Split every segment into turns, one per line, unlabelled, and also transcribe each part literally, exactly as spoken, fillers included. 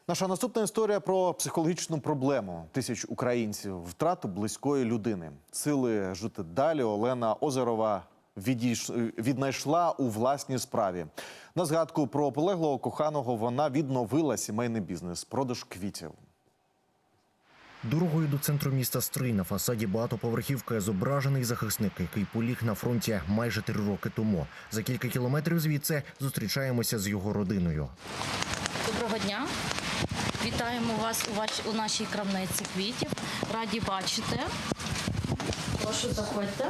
Наша наступна історія про психологічну проблему тисяч українців, втрату близької людини. Сили жити далі Олена Озерова відійш... віднайшла у власній справі. На згадку про полеглого коханого вона відновила сімейний бізнес – продаж квітів.
Дорогою до центру міста Стрий на фасаді багатоповерхівки зображений захисник, який поліг на фронті майже три роки тому. За кілька кілометрів звідси зустрічаємося з його родиною.
Доброго дня. Вітаємо вас у, ваш... у нашій крамниці квітів. Раді бачити. Прошу, заходьте.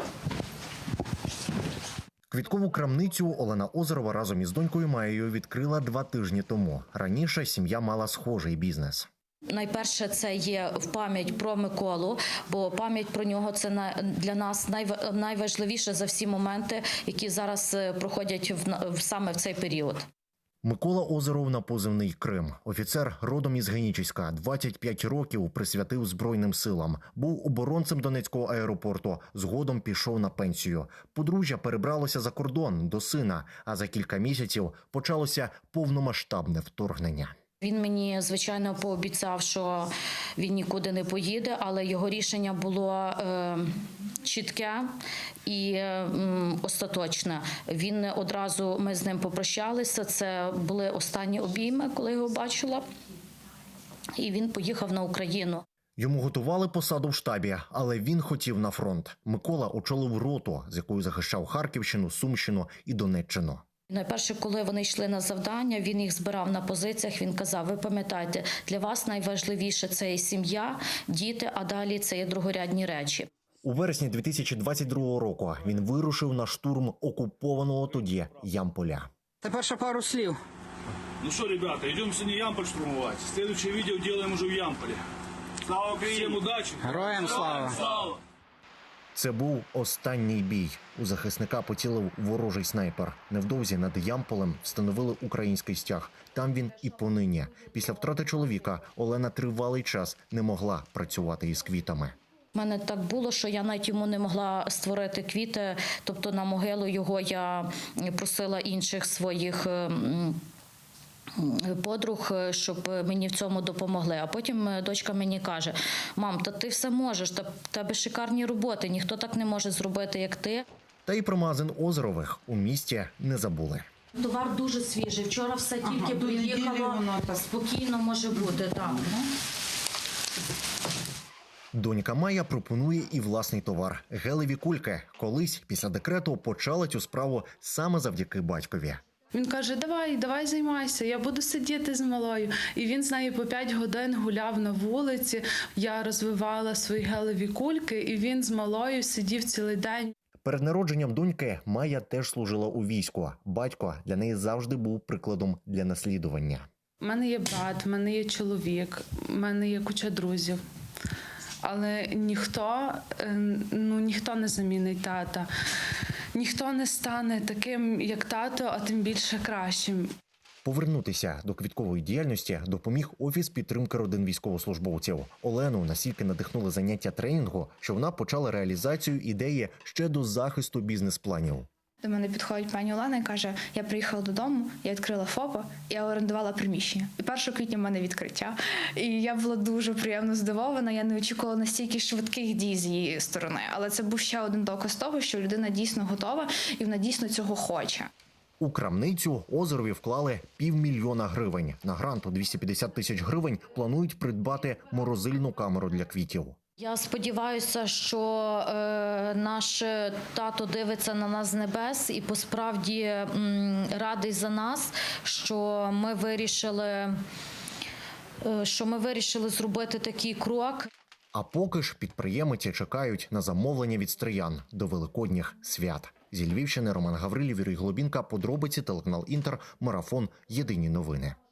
Квіткову крамницю Олена Озерова разом із донькою Маєю відкрила два тижні тому. Раніше сім'я мала схожий бізнес.
Найперше, це є в пам'ять про Миколу, бо пам'ять про нього – це для нас найважливіше за всі моменти, які зараз проходять в, саме в цей період.
Микола Озеров на позивний «Крим». Офіцер родом із Генічеська, двадцять п'ять років присвятив Збройним силам. Був оборонцем Донецького аеропорту, згодом пішов на пенсію. Подружжя перебралося за кордон до сина, а за кілька місяців почалося повномасштабне вторгнення.
Він мені, звичайно, пообіцяв, що він нікуди не поїде, але його рішення було е, чітке і е, остаточне. Він одразу, ми з ним попрощалися, це були останні обійми, коли його бачила, і він поїхав на Україну.
Йому готували посаду в штабі, але він хотів на фронт. Микола очолив роту, з якою захищав Харківщину, Сумщину і Донеччину.
Найперше, коли вони йшли на завдання, він їх збирав на позиціях, він казав: ви пам'ятаєте, для вас найважливіше – це і сім'я, діти, а далі це є другорядні речі.
У вересні дві тисячі двадцять другого року він вирушив на штурм окупованого тоді Ямполя.
Тепер ще пару слів.
Ну що, ребята, йдемо сьогодні Ямполь штурмувати. Слідуюче відео робимо вже в Ямполі. Слава Україні! Всім удачі!
Героям слава!
Слава!
Це був останній бій. У захисника поцілив ворожий снайпер. Невдовзі над Ямполем встановили український стяг. Там він і понині. Після втрати чоловіка Олена тривалий час не могла працювати із квітами.
У мене так було, що я навіть йому не могла створити квіти, тобто на могилу його я просила інших своїх подруг, щоб мені в цьому допомогли. А потім дочка мені каже: мам, та ти все можеш, та в тебе шикарні роботи, ніхто так не може зробити, як ти.
Та й про магазин Озерових у місті не забули.
Товар дуже свіжий, вчора все тільки ага, приїхало, спокійно може бути. Так.
Донька Майя пропонує і власний товар – гелеві кульки. Колись після декрету почала цю справу саме завдяки батькові.
Він каже: давай, давай займайся, я буду сидіти з малою. І він з нею по п'ять годин гуляв на вулиці, я розвивала свої гелеві кульки, і він з малою сидів цілий день.
Перед народженням доньки Майя теж служила у війську. Батько для неї завжди був прикладом для наслідування.
У мене є брат, у мене є чоловік, у мене є куча друзів. Але ніхто, ну, ніхто не замінить тата. Ніхто не стане таким, як тато, а тим більше кращим.
Повернутися до квіткової діяльності допоміг Офіс підтримки родин військовослужбовців. Олену настільки надихнули заняття тренінгу, що вона почала реалізацію ідеї ще до захисту бізнес-планів.
До мене підходить пані Олена і каже: я приїхала додому, я відкрила ФОПа, я орендувала приміщення. І першого квітня в мене відкриття. І я була дуже приємно здивована, я не очікувала настільки швидких дій з її сторони. Але це був ще один доказ того, що людина дійсно готова і вона дійсно цього хоче.
У крамницю Озерові вклали півмільйона гривень. На грант у двісті п'ятдесят тисяч гривень планують придбати морозильну камеру для квітів.
Я сподіваюся, що е, наш тато дивиться на нас з небес і посправді м, радий за нас, що ми вирішили, е, що ми вирішили зробити такий крок.
А поки ж підприємиці чекають на замовлення від стриян до великодніх свят. Зі Львівщини Роман Гаврилів, Юрій Глобінка, подробиці, телеканал Інтер, марафон, єдині новини.